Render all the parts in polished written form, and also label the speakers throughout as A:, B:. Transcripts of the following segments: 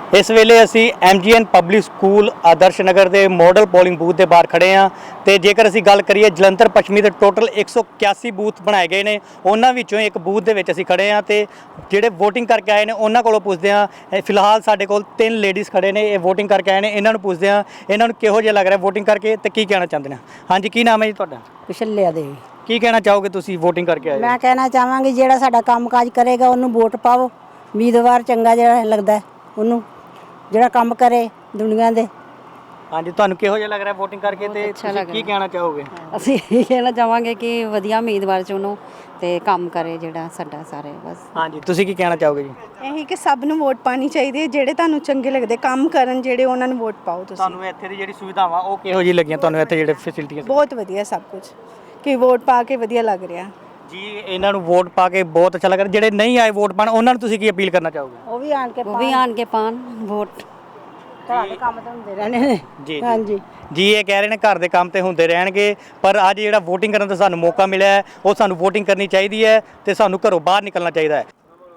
A: इस वेले असी MGN public school Adarsh Nagar के मॉडल पोलिंग बूथ के बाहर खड़े हाँ। तो जेकर असी गल करिए जलंधर पश्चिमी के टोटल 181 बूथ बनाए गए हैं, उन्होंने एक बूथ के असी खड़े हाँ। तो जोड़े वोटिंग करके आए हैं उन्होंने को पुछते हैं। फिलहाल साढ़े को 3 लेडीज़ खड़े ने, वोटिंग करके आए हैं। इन्होंने पुछते हैं इन्होंने किहो जिहा लग रहा है वोटिंग करके, तो की कहना चाहते हैं। हाँ जी, की नाम है जी तुहाडा?
B: पिछले दे
A: की कहना चाहोगे तुसी वोटिंग करके आए?
B: मैं कहना चाहांगी ਜਿਹੜਾ ਸਾਡਾ ਕੰਮਕਾਜ ਕਰੇਗਾ ਉਹਨੂੰ ਵੋਟ ਪਾਓ। ਉਮੀਦਵਾਰ ਚੰਗਾ ਜਿਹੜਾ ਲੱਗਦਾ ਹੈ ਉਹਨੂੰ, ਜਿਹੜਾ ਕੰਮ ਕਰੇ ਦੁਨੀਆ ਦੇ।
A: हाँ जी, ਤੁਹਾਨੂੰ ਕਿਹੋ ਜਿਹਾ ਲੱਗ ਰਿਹਾ ਵੋਟਿੰਗ ਕਰਕੇ ਤੇ ਤੁਸੀਂ ਕੀ ਕਹਿਣਾ ਚਾਹੋਗੇ?
C: ਅਸੀਂ ਇਹ ਕਹਿਣਾ ਚਾਹਾਂਗੇ ਕਿ ਵਧੀਆ ਉਮੀਦਵਾਰ ਚੁਣੋ ਤੇ ਕੰਮ ਕਰੇ ਜਿਹੜਾ ਸਾਡਾ ਸਾਰੇ ਬਸ।
A: ਹਾਂਜੀ, ਤੁਸੀਂ ਕੀ ਕਹਿਣਾ ਚਾਹੋਗੇ ਜੀ?
D: ਇਹੀ ਕਿ ਸਭ ਨੂੰ ਵੋਟ ਪਾਣੀ ਚਾਹੀਦੀ ਹੈ, ਜਿਹੜੇ ਤੁਹਾਨੂੰ ਚੰਗੇ ਲੱਗਦੇ ਕੰਮ ਕਰਨ ਜਿਹੜੇ ਉਹਨਾਂ ਨੂੰ ਵੋਟ ਪਾਓ ਤੁਸੀਂ।
A: ਤੁਹਾਨੂੰ ਇੱਥੇ ਦੀ ਜਿਹੜੀ ਸੁਵਿਧਾਵਾਂ ਉਹ ਕਿਹੋ ਜਿਹੀ ਲੱਗੀਆਂ ਤੁਹਾਨੂੰ? ਇੱਥੇ ਜਿਹੜੇ ਫੈਸਿਲਿਟੀਆਂ
D: ਬਹੁਤ ਵਧੀਆ ਸਭ ਕੁਝ, ਕਿ ਵੋਟ ਪਾ ਕੇ ਵਧੀਆ ਲੱਗ ਰਿਹਾ
A: ਜੀ। ਇਹਨਾਂ ਨੂੰ ਵੋਟ ਪਾ ਕੇ ਬਹੁਤ ਅੱਛਾ ਲੱਗ ਰਿਹਾ। ਜਿਹੜੇ ਨਹੀਂ ਆਏ ਵੋਟ ਪਾਣ ਉਹਨਾਂ ਨੂੰ ਤੁਸੀਂ ਕੀ ਅਪੀਲ ਕਰਨਾ ਚਾਹੋਗੇ?
B: ਉਹ ਵੀ ਆਣ ਕੇ
C: ਪਾਣ ਵੋਟ।
B: ਘਰਾਂ ਦੇ ਕੰਮ ਤਾਂ ਹੁੰਦੇ ਰਹਿਣੇ ਨੇ।
A: ਜੀ
B: ਹਾਂਜੀ
A: ਜੀ, ਇਹ ਕਹਿ ਰਹੇ ਨੇ ਘਰ ਦੇ ਕੰਮ ਤੇ ਹੁੰਦੇ ਰਹਿਣਗੇ, ਪਰ ਅੱਜ ਜਿਹੜਾ ਵੋਟਿੰਗ ਕਰਨ ਦਾ ਸਾਨੂੰ ਮੌਕਾ ਮਿਲਿਆ ਹੈ ਉਹ ਸਾਨੂੰ ਵੋਟਿੰਗ ਕਰਨੀ ਚਾਹੀਦੀ ਹੈ ਤੇ ਸਾਨੂੰ ਘਰੋਂ ਬਾਹਰ ਨਿਕਲਣਾ ਚਾਹੀਦਾ ਹੈ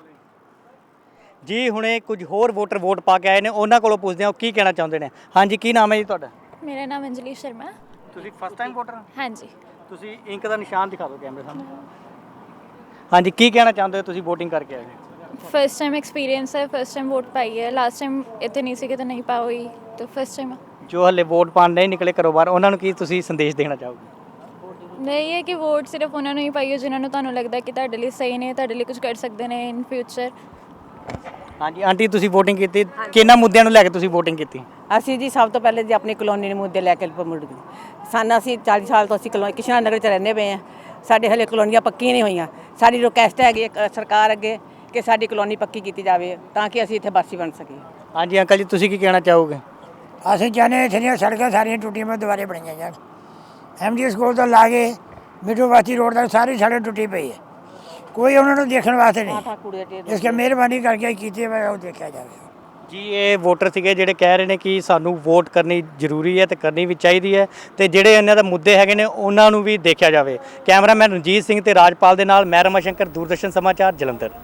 A: ਜੀ। ਹੁਣੇ ਕੁਝ ਹੋਰ ਵੋਟਰ ਵੋਟ ਪਾ ਕੇ ਆਏ ਨੇ, ਉਹਨਾਂ ਕੋਲੋਂ ਪੁੱਛਦੇ ਹਾਂ ਉਹ ਕੀ ਕਹਿਣਾ ਚਾਹੁੰਦੇ ਨੇ। ਹਾਂਜੀ, ਕੀ ਨਾਮ ਹੈ ਜੀ ਤੁਹਾਡਾ?
E: ਮੇਰਾ ਨਾਮ ਅੰਜਲੀ ਸ਼ਰਮਾ।
A: ਤੁਸੀਂ ਫਸਟ ਟਾਈਮ ਵੋਟਰ?
E: ਹਾਂਜੀ।
A: ਤੁਸੀਂ ਇੰਕ ਦਾ ਨਿਸ਼ਾਨ ਦਿਖਾ ਦਿਓ ਕੈਮਰੇ ਸਾਹਮਣੇ। ਹਾਂਜੀ, ਕੀ ਕਹਿਣਾ ਚਾਹੁੰਦੇ ਹੋ? ਤੁਸੀਂ ਵੋਟਿੰਗ ਕਰਕੇ ਆਏ ਹੋ?
E: ਫਸਟ ਟਾਈਮ ਐਕਸਪੀਰੀਅੰਸ ਹੈ, ਫਸਟ ਟਾਈਮ ਵੋਟ ਪਾਈ ਹੈ। ਲਾਸਟ ਟਾਈਮ ਇੱਥੇ ਨਹੀਂ ਸੀ ਕਿਤੇ ਨਹੀਂ ਪਾਈ, ਤਾਂ ਫਸਟ ਟਾਈਮ।
A: ਜੋ ਹਲੇ ਵੋਟ ਪਾਣ ਨਹੀਂ ਨਿਕਲੇ ਘਰੋਂ ਬਾਹਰ, ਉਹਨਾਂ ਨੂੰ ਕੀ ਤੁਸੀਂ ਸੰਦੇਸ਼ ਦੇਣਾ ਚਾਹੋਗੇ?
E: ਨਹੀਂ ਹੈ ਕਿ ਵੋਟ ਸਿਰਫ ਉਹਨਾਂ ਨੂੰ ਹੀ ਪਾਈਓ ਜਿਨ੍ਹਾਂ ਨੂੰ ਤੁਹਾਨੂੰ ਲੱਗਦਾ ਕਿ ਤੁਹਾਡੇ ਲਈ ਸਹੀ ਨੇ, ਤੁਹਾਡੇ ਲਈ ਕੁਝ ਕਰ ਸਕਦੇ ਨੇ ਇਨ ਫਿਊਚਰ।
A: ਹਾਂਜੀ ਆਂਟੀ, ਤੁਸੀਂ ਵੋਟਿੰਗ ਕੀਤੀ, ਕਿਹਨਾਂ ਮੁੱਦਿਆਂ ਨੂੰ ਲੈ ਕੇ ਤੁਸੀਂ ਵੋਟਿੰਗ ਕੀਤੀ?
F: ਅਸੀਂ ਜੀ ਸਭ ਤੋਂ ਪਹਿਲੇ ਜੀ ਆਪਣੀ ਕਲੋਨੀ ਦੇ ਮੁੱਦੇ ਲੈ ਕੇ ਮੁੜ ਗਏ। ਸਾਨੂੰ ਅਸੀਂ 40 ਸਾਲ ਤੋਂ ਅਸੀਂ ਕਿਸ਼ਨਾ ਨਗਰ 'ਚ ਰਹਿੰਦੇ ਪਏ ਹਾਂ। ਸਾਡੇ ਹਲੇ ਕਲੋਨੀਆਂ ਪੱਕੀਆਂ ਨਹੀਂ ਹੋਈਆਂ। ਸਾਡੀ ਰਿਕੁਐਸਟ ਹੈਗੀ ਸਰਕਾਰ ਅੱਗੇ ਕਿ ਸਾਡੀ ਕਲੋਨੀ ਪੱਕੀ ਕੀਤੀ ਜਾਵੇ ਤਾਂ ਕਿ ਅਸੀਂ ਇੱਥੇ ਵਾਸੀ ਬਣ ਸਕੀਏ।
A: ਹਾਂਜੀ ਅੰਕਲ ਜੀ, ਤੁਸੀਂ ਕੀ ਕਹਿਣਾ ਚਾਹੋਗੇ?
G: ਅਸੀਂ ਚਾਹੁੰਦੇ ਇੱਥੇ ਦੀਆਂ ਸੜਕਾਂ ਸਾਰੀਆਂ ਟੁੱਟੀਆਂ ਮੈਂ ਦੁਬਾਰੇ ਬਣਾਈਆਂ ਜਾਣ। MG ਸਕੂਲ ਤੋਂ ਲਾ ਕੇ ਮਿੱਠੂ ਬਸਤੀ ਰੋਡ ਤੱਕ ਸਾਰੀ ਸੜਕ ਟੁੱਟੀ ਪਈ ਹੈ, ਕੋਈ ਉਹਨਾਂ ਨੂੰ ਦੇਖਣ ਵਾਸਤੇ ਨਹੀਂ। ਇਸ ਕਰਕੇ ਮਿਹਰਬਾਨੀ ਕਰਕੇ ਕੀਤੀ ਹੈ ਉਹ ਦੇਖਿਆ ਜਾਵੇ
A: ਜੀ। ਇਹ ਵੋਟਰ ਸੀਗੇ ਜਿਹੜੇ ਕਹਿ ਰਹੇ ਨੇ ਕਿ ਸਾਨੂੰ ਵੋਟ ਕਰਨੀ ਜ਼ਰੂਰੀ ਹੈ ਤੇ ਕਰਨੀ ਵੀ ਚਾਹੀਦੀ ਹੈ, ਤੇ ਜਿਹੜੇ ਇਹਨਾਂ ਦਾ ਮੁੱਦੇ ਹੈਗੇ ਨੇ ਉਹਨਾਂ ਨੂੰ ਵੀ ਦੇਖਿਆ ਜਾਵੇ। ਕੈਮਰਾਮੈਨ ਰਣਜੀਤ ਸਿੰਘ ਤੇ ਰਾਜਪਾਲ ਦੇ ਨਾਲ ਮੈਂ ਰਮਾ ਸ਼ੰਕਰ, ਦੂਰਦਰਸ਼ਨ ਸਮਾਚਾਰ, ਜਲੰਧਰ।